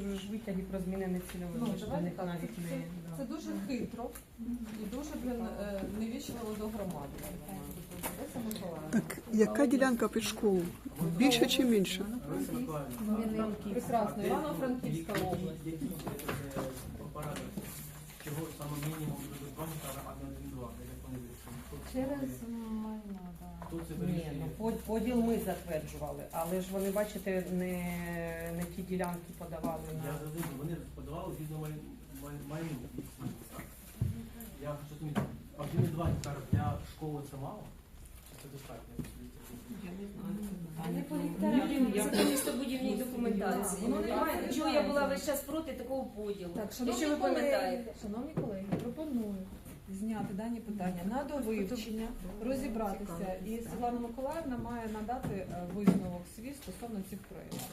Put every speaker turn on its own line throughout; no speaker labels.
ж витяги про змінене цільове.
Ну,
Ми ж
давайте
до них
так,
навіть не...
це дуже хитро і дуже невічливо до громади. Леся Миколаївна.
Так, яка ділянка під школу? Більше чи менше?
Прекрасно. Івано-Франківська область.
Чого саме мінімум буде 2 гектара, а не 1-2, як вони вирішили?
Через майно, так.
Хто це
Ні,
вирішує?
ну поділ ми затверджували, але ж вони, бачите, не ті ділянки подавали
Я
на...
розумію, вони подавали різну майну. Я хочу зрозуміти, а 1,2 гектара для школи це мало? Чи це достатньо?
Я не знаю.
А не по гектарам, це по містобудівній документації.
Воно немає.
Чого я була весь час проти такого поділу?
Так,
Якщо ви пам'ятаєте.
шановні колеги, пропоную зняти дані питання на довивчення, розібратися, і Світлана Миколаївна має надати висновок свій стосовно цих проєктів.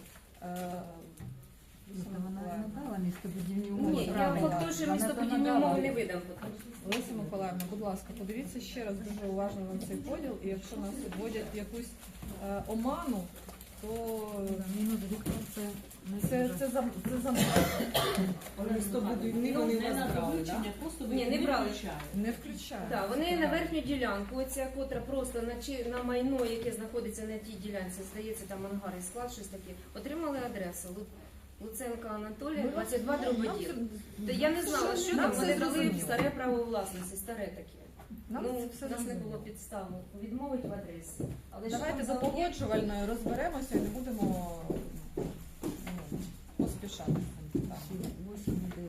Вона не надала містобудівні умови.
Ні, я
правильно.
факт, що
Вона
містобудівні
то надала.
умови не видам поки.
Леся Миколаївна, будь ласка, подивіться ще раз дуже уважно на цей поділ, і якщо нас вводять в якусь оману, то
Мінус гектар це не
це
дуже.
Містобудівні вони нас брали, так?
Ні, не брали.
не включає.
Так, вони на верхню ділянку, оця котра просто на майно, яке знаходиться на тій ділянці, здається, там ангар і склад, щось таке, отримали адресу. Луценка Анатолія, 22 дрободіл. Та я не знала, що
Нам
там,
це
вони дали
зрозуміло.
старе право власності, старе таке.
Нам
Ну,
це
у
все
нас не
зрозуміло.
було підстав відмовити в адресі. Але що
Давайте
там
за
за
погоджувальною розберемося і не будемо поспішати з цим питанням.